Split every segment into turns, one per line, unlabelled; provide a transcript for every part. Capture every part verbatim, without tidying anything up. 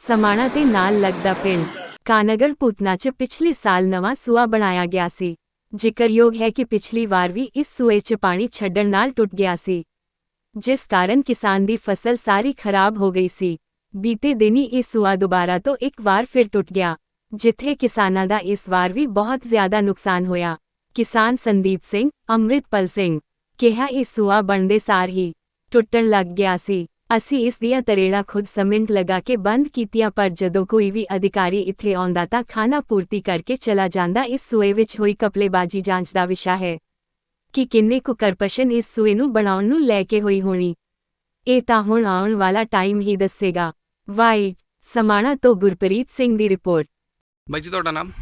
समाणा ते नाल लगदा पिंड कानगर पूतना च पिछले साल नवां सूआ बनाया गया सी। जिक्रयोग है कि पिछली वार भी इस सूए च पानी छड्डण नाल टुट गया सी, जिस कारण किसान दी फसल सारी खराब हो गई सी। बीते दिन ही इह सूआ दुबारा तो एक वार फिर टुट गया, जिथे किसानां दा इस वार भी बहुत ज्यादा नुकसान होया। किसान संदीप सिंह अमृतपाल सिंह किहा इह सूआ बनदे सार ही टुटण लग गया सी। ਅਸੀਂ ਇਸ ਦੀਆਂ ਤਰੇੜਾਂ ਖੁਦ ਸਮਿੰਟ ਲਗਾ ਕੇ ਬੰਦ ਕੀਤੀਆਂ, ਪਰ ਜਦੋਂ ਕੋਈ ਵੀ ਅਧਿਕਾਰੀ ਇੱਥੇ ਆਉਂਦਾ ਤਾਂ ਖਾਣਾ ਪੂਰਤੀ ਕਰਕੇ ਚਲਾ ਜਾਂਦਾ। ਇਸ ਸੂਏ ਵਿੱਚ ਹੋਈ ਕਪਲੇਬਾਜ਼ੀ ਜਾਂਚ ਦਾ ਵਿਸ਼ਾ ਹੈ ਕਿ ਕਿੰਨੇ ਕੁ ਕਰਪਸ਼ਨ ਇਸ ਸੂਏ ਨੂੰ ਬਣਾਉਣ ਨੂੰ ਲੈ ਕੇ ਹੋਈ ਹੋਣੀ। ਇਹ ਤਾਂ ਹੁਣ ਆਉਣ ਵਾਲਾ ਟਾਈਮ ਹੀ ਦੱਸੇਗਾ। ਵਾਈ ਸਮਾਣਾ ਤੋਂ ਗੁਰਪ੍ਰੀਤ ਸਿੰਘ ਦੀ ਰਿਪੋਰਟ।
ਬਾਈ ਜੀ ਤੁਹਾਡਾ ਨਾਮ?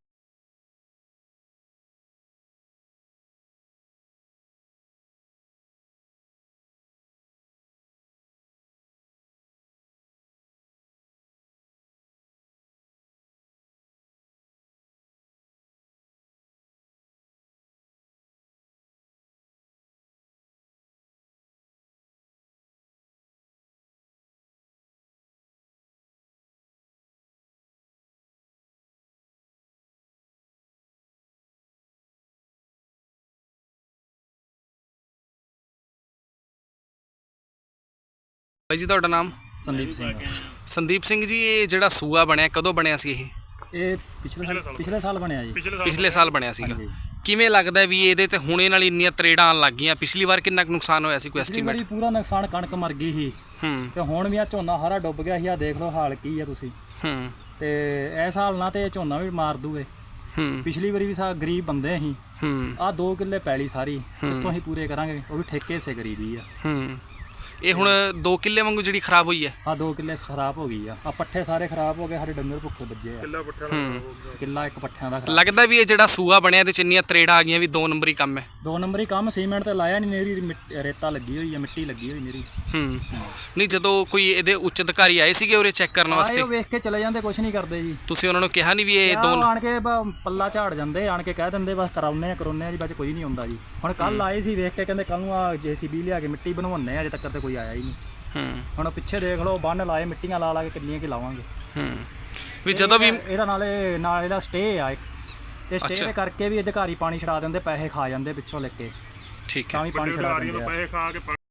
ਬਾਈ ਜੀ ਤੁਹਾਡਾ ਨਾਮ?
ਸੰਦੀਪ ਸਿੰਘ।
ਸੰਦੀਪ ਸਿੰਘ ਜੀ, ਇਹ ਜਿਹੜਾ ਸੂਆ ਬਣਿਆ ਕਦੋਂ ਬਣਿਆ ਸੀ? ਇਹ
ਇਹ ਪਿਛਲੇ ਪਿਛਲੇ ਸਾਲ ਬਣਿਆ ਜੀ।
ਪਿਛਲੇ ਸਾਲ ਬਣਿਆ ਸੀਗਾ। ਕਿਵੇਂ ਲੱਗਦਾ ਵੀ ਇਹਦੇ ਤੇ ਹੁਣੇ ਨਾਲ ਇੰਨੀਆਂ ਤਰੇੜਾਂ ਆਉਣ ਲੱਗ ਗਈਆਂ? ਪਿਛਲੀ ਵਾਰ ਕਿੰਨਾ ਕੁ ਨੁਕਸਾਨ ਹੋਇਆ ਸੀ, ਕੋਈ ਐਸਟੀਮੇਟ?
ਪੂਰਾ ਨੁਕਸਾਨ, ਕਣਕ ਮਰ ਗਈ ਸੀ
ਹੂੰ
ਤੇ ਹੁਣ ਵੀ ਆ ਝੋਨਾ ਸਾਰਾ ਡੁੱਬ ਗਿਆ ਸੀ। ਆ ਦੇਖ ਲਓ ਹਾਲ ਕੀ ਆ ਤੁਸੀਂ।
ਹੂੰ
ਤੇ ਇਸ ਹਾਲ ਨਾਲ ਤੇ ਝੋਨਾ ਵੀ ਮਾਰ ਦੂਗੇ।
ਹੂੰ
ਪਿਛਲੀ ਵਾਰੀ ਵੀ ਸਾ ਗਰੀਬ ਬੰਦੇ ਅਸੀਂ।
ਹੂੰ
ਆ ਦੋ ਕਿੱਲੇ ਪੈਲੀ ਸਾਰੀ ਕਿੱਥੋਂ ਅਸੀਂ ਪੂਰੇ ਕਰਾਂਗੇ? ਉਹ ਵੀ ਠੇਕੇ ਸੇ ਗਰੀਬੀ ਆ।
ਹੂੰ ਇਹ ਹੁਣ ਦੋ ਕਿੱਲੇ ਵਾਂਗੂ ਜਿਹੜੀ ਖਰਾਬ ਹੋਈ ਹੈ।
ਆ ਦੋ ਕਿੱਲੇ ਖਰਾਬ ਹੋ ਗਈ ਆ। ਆ ਪੱਠੇ ਸਾਰੇ ਖਰਾਬ ਹੋ ਗਏ, ਸਾਡੇ ਡੰਗਰ ਭੁੱਖੇ ਵੱਜੇ ਆ। ਕਿੱਲਾ ਪੱਠਿਆਂ ਦਾ ਕਿੱਲਾ ਇੱਕ ਪੱਠਿਆਂ ਦਾ ਖਰਾਬ।
ਲੱਗਦਾ ਵੀ ਇਹ ਜਿਹੜਾ ਸੂਆ ਬਣਿਆ ਇਹਦੇ ਚ ਇੰਨੀਆਂ ਤਰੇੜਾਂ ਆ ਗਈਆਂ ਵੀ ਦੋ ਨੰਬਰੀ ਕੰਮ ਹੈ।
ਦੋ ਨੰਬਰੀ ਕੰਮ। ਸੀਮੈਂਟ ਤੇ ਲਾਇਆ ਨਹੀਂ, ਨੇਰੀ ਰੇਤਾ ਲੱਗੀ ਹੋਈ ਆ, ਮਿੱਟੀ ਲੱਗੀ ਹੋਈ ਨੇਰੀ।
ਹੂੰ ਨਹੀਂ, ਜਦੋਂ ਕੋਈ ਇਹਦੇ ਉੱਚ ਅਧਿਕਾਰੀ ਆਏ ਸੀਗੇ ਉਰੇ ਚੈੱਕ ਕਰਨ ਵਾਸਤੇ?
ਆਏ, ਉਹ ਵੇਖ ਕੇ ਚਲੇ ਜਾਂਦੇ, ਕੁਝ ਨਹੀਂ ਕਰਦੇ ਜੀ।
ਤੁਸੀਂ ਉਹਨਾਂ ਨੂੰ ਕਿਹਾ ਨਹੀਂ ਵੀ ਇਹ ਦੋ?
ਆਣ ਕੇ ਪੱਲਾ ਝਾੜ ਜਾਂਦੇ, ਆਣ ਕੇ ਕਹਿ ਦਿੰਦੇ ਬਸ ਕਰਾਉਨੇ ਆ ਕਰਾਉਨੇ ਆ ਜੀ, ਬਾਅਦ ਕੋਈ ਨਹੀਂ ਹੁੰਦਾ ਜੀ। ਹੁਣ ਕੱਲ ਆਏ ਸੀ, ਵੇਖ ਕੇ ਕਹਿੰਦੇ ਕੱਲ ਨੂੰ ਆ ਜੇਸੀਬੀ ਲਿਆ ਕੇ ਮਿੱਟੀ ਬਣਵਾਉਂਦੇ ਆ, ਅਜੇ ਤੱਕ ਤੇ ਕੋਈ ਆਇਆ ਹੀ ਨਹੀਂ।
ਹੂੰ
ਹੁਣ ਪਿੱਛੇ ਦੇਖ ਲਓ, ਬੰਨ ਲਾਏ, ਮਿੱਟੀਆਂ ਲਾ ਲਾ ਕੇ ਕਿੰਨੀਆਂ ਕਿ ਲਾਵਾਂਗੇ।
ਹੂੰ ਵੀ ਜਦੋਂ ਵੀ
ਇਹਦਾ ਨਾਲੇ ਨਾਲ ਇਹਦਾ ਸਟੇ ਆ ਇੱਕ, ਤੇ ਸਟੇ ਦੇ ਕਰਕੇ ਵੀ ਅਧਿਕਾਰੀ ਪਾਣੀ ਛਡਾ ਦਿੰਦੇ, ਪੈਸੇ ਖਾ ਜਾਂਦੇ ਪਿੱਛੋਂ ਲੈ ਕੇ।
ਠੀਕ ਹੈ,
ਤਾਂ ਵੀ ਪਾਣੀ ਛਡਾ ਦਿੰਦੇ ਆ।